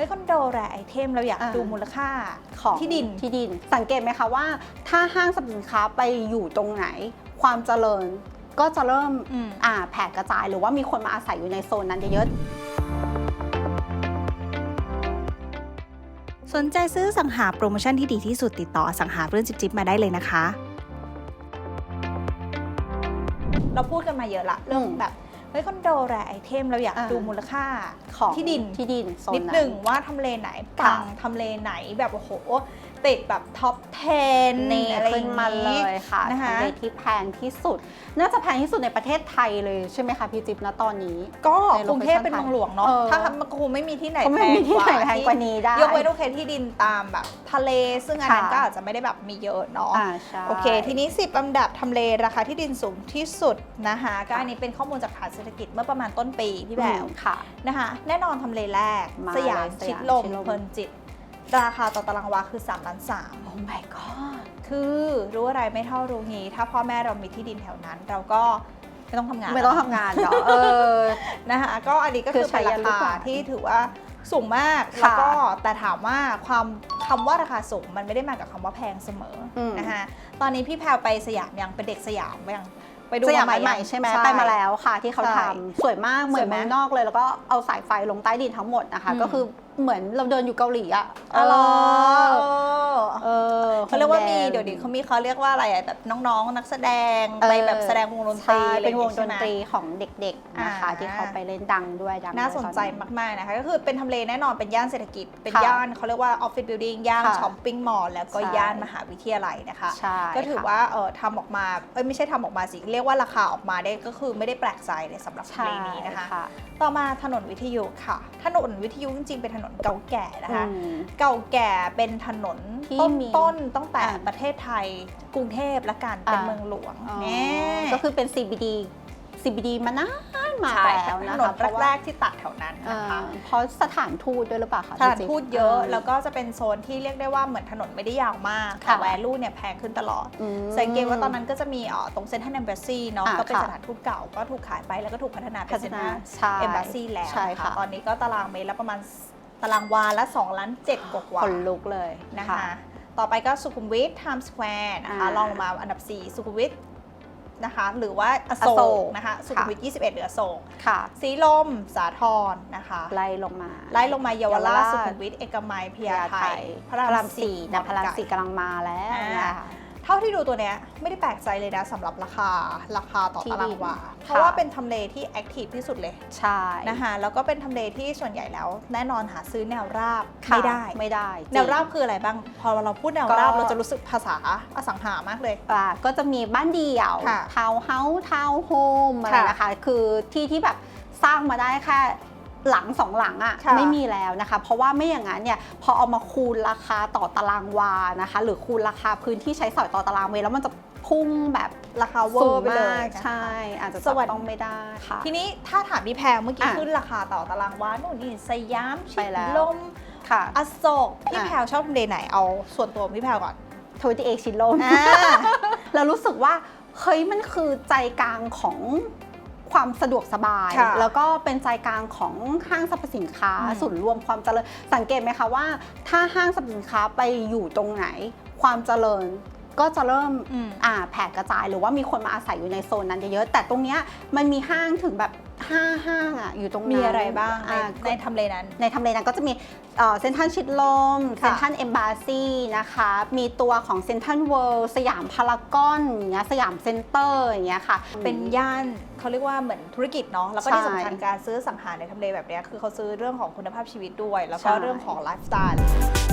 ฮ้ยคอนโดแรไอเทมเราอยากดูมูลค่าของที่ดินสังเกตไหมคะว่าถ้าห้างสรรพสินค้าไปอยู่ตรงไหนความเจริญก็จะเริ่มแผ่กระจายหรือว่ามีคนมาอาศัยอยู่ในโซนนั้นเยอะสนใจซื้อสังหาโปรโมชั่นที่ดีที่สุดติดต่อสังหาเรื่องจิ๊บมาได้เลยนะคะเราพูดกันมาเยอะละเรื่องแบบเฮ้ยคอนโดแรไอเทมเราอยากดูมูลค่าของที่ดินนิดหนึ่งว่าทำเลไหนปังทำเลไหนแบบโอ้โหติดแบบท็อป 10 นี่ขึ้นมาเลยค่ะทำเลที่แพงที่สุดน่าจะแพงที่สุดในประเทศไทยเลยใช่ไหมคะพี่จิ๊บณตอนนี้ก็กรุงเทพเป็นเมืองหลวงเนาะถ้ามันคงไม่มีที่ไหนแพงกว่านี้ได้ยกเว้นโอเคที่ดินตามแบบทะเลซึ่งอันนั้นก็อาจจะไม่ได้แบบมีเยอะเนาะโอเคทีนี้10อันดับทำเลราคาที่ดินสูงที่สุดนะคะก็อันนี้เป็นข้อมูลจากฐานเศรษฐกิจเมื่อประมาณต้นปีพี่แบวนะคะแน่นอนทำเลแรกสยามชิดลมเพลินจิตราคาต่อตารางวาคือ3.3 ล้านโอ้ my god คือรู้อะไรไม่เท่ารู้งี้ถ้าพ่อแม่เรามีที่ดินแถวนั้นเราก็ไม่ต้องทำงานหรอนะคะก็อันนี้ก็คือเป็นราคาที่ถือว่าสูงมากแล้วก็แต่ถามว่าคำว่าราคาสูงมันไม่ได้มากับคำว่าแพงเสมอนะคะตอนนี้พี่แพรไปสยามยังเป็นเด็กสยามยังไปดูสยามใหม่ใช่ไหมไปมาแล้วค่ะที่เขาทำสวยมากเหมือนเมืองนอกเลยแล้วก็เอาสายไฟลงใต้ดินทั้งหมดนะคะก็คือเหมือนเราเดินอยู่เกาหลีอ่ะเขาเรียกว่ามีเดี๋ยวนี้เขาเรียกว่าอะไรแบบน้องๆนักแสดงไปแบบแสดงวงดนตรีเป็นวงดนตรีของเด็กๆนะคะที่เขาไปเล่นดังด้วยน่าสนใจมากๆนะคะก็คือเป็นทำเลแน่นอนเป็นย่านเศรษฐกิจเป็นย่านเขาเรียกว่าออฟฟิศบิลดิ้งย่านช้อปปิ้งมอลล์แล้วก็ย่านมหาวิทยาลัยนะคะก็ถือว่าทำออกมาไม่ใช่ทำออกมาสิเรียกว่าราคาออกมาได้ก็คือไม่ได้แปลกใจเลยสำหรับทำเลนี้นะคะต่อมาถนนวิทยุค่ะถนนวิทยุจริงๆเป็นถนนเก่าแก่นะคะเก่าแก่เป็นถนนต้นตั้งแต่ประเทศไทยกรุงเทพและกันเป็นเมืองหลวงก็คือเป็น CBD มานานมาแล้วนะคะถนนแรกๆที่ตัดแถวนั้นนะคะเพราะสถานทูตด้วยหรือเปล่าคะสถานทูตเยอะแล้วก็จะเป็นโซนที่เรียกได้ว่าเหมือนถนนไม่ได้ยาวมากแต่แวลูเนี่ยแพงขึ้นตลอดสังเกตว่าตอนนั้นก็จะมีตรงเซ็นทรัลเอมบาซีเนาะก็เป็นสถานทูตเก่าก็ถูกขายไปแล้วก็ถูกพัฒนาเป็นเซ็นทรัลเอมบาซีแล้วค่ะตอนนี้ก็ตารางเมตรละประมาณตารางวาละ2.7 ล้านกว่าขนลุกเลยนะคะต่อไปก็สุขุมวิทไทม์สแควร์นะคะลองลงมาอันดับ4สุขุมวิทนะคะหรือว่าอโศกนะคะสุขุมวิท21เหลืออโศกสีลมสาทรนะคะไล่ลงมาเยาวราชสุขุมวิทเอกมัยพญาไทพระราม4 พระราม4กำลังมาแล้วนะคะเท่าที่ดูตัวเนี้ยไม่ได้แปลกใจเลยนะสำหรับราคาต่อตารางวาเพราะว่าเป็นทำเลที่แอคทีฟที่สุดเลยใช่นะคะแล้วก็เป็นทำเลที่ส่วนใหญ่แล้วแน่นอนหาซื้อแนวราบไม่ได้แนวราบคืออะไรบ้างพอเราพูดแนวราบเราจะรู้สึกภาษาอสังหามากเลยก็จะมีบ้านเดี่ยวทาวน์เฮาส์ทาวน์โฮมอะไรนะคะคือที่แบบสร้างมาได้แค่หลัง2หลังอ่ะไม่มีแล้วนะคะเพราะว่าไม่อย่างนั้นเนี่ยพอเอามาคูณราคาต่อตารางวานะคะหรือคูณราคาพื้นที่ใช้สอยต่อตารางเมตรแล้วมันจะพุ่งแบบราคาเวอร์ไปเลยใช่อาจจะต้องไม่ได้ค่ะทีนี้ถ้าถามพี่แพรเมื่อกี้ขึ้นราคาต่อตารางวานู่นนี่สยามชิดลมอโศกพี่แพรชอบทำเลไหนเอาส่วนตัวพี่แพรก่อน 28ชิดลมเรารู้สึกว่าเฮ้ยมันคือใจกลางของความสะดวกสบายแล้วก็เป็นใจกลางของห้างสรรพสินค้าศูนย์รวมความเจริญสังเกตไหมคะว่าถ้าห้างสรรพสินค้าไปอยู่ตรงไหนความเจริญก็จะเริ่มแผ่กระจายหรือว่ามีคนมาอาศัยอยู่ในโซนนั้นเยอะๆแต่ตรงเนี้ยมันมีห้างถึงแบบ5ห้างอยู่ตรงนั้นมีอะไรบ้างในทำเลนั้นก็จะมีเซ็นทรัลชิดลมเซ็นทรัลเอมบาซีนะคะมีตัวของเซ็นทรัลเวิลด์สยามพารากอนอย่างเงี้ยสยามเซ็นเตอร์อย่างเงี้ยค่ะเป็นย่านเขาเรียกว่าเหมือนธุรกิจเนาะแล้วก็ที่สำคัญการซื้อสังหารในทำเลแบบนี้คือเขาซื้อเรื่องของคุณภาพชีวิตด้วยแล้วก็เรื่องของไลฟ์สไตล์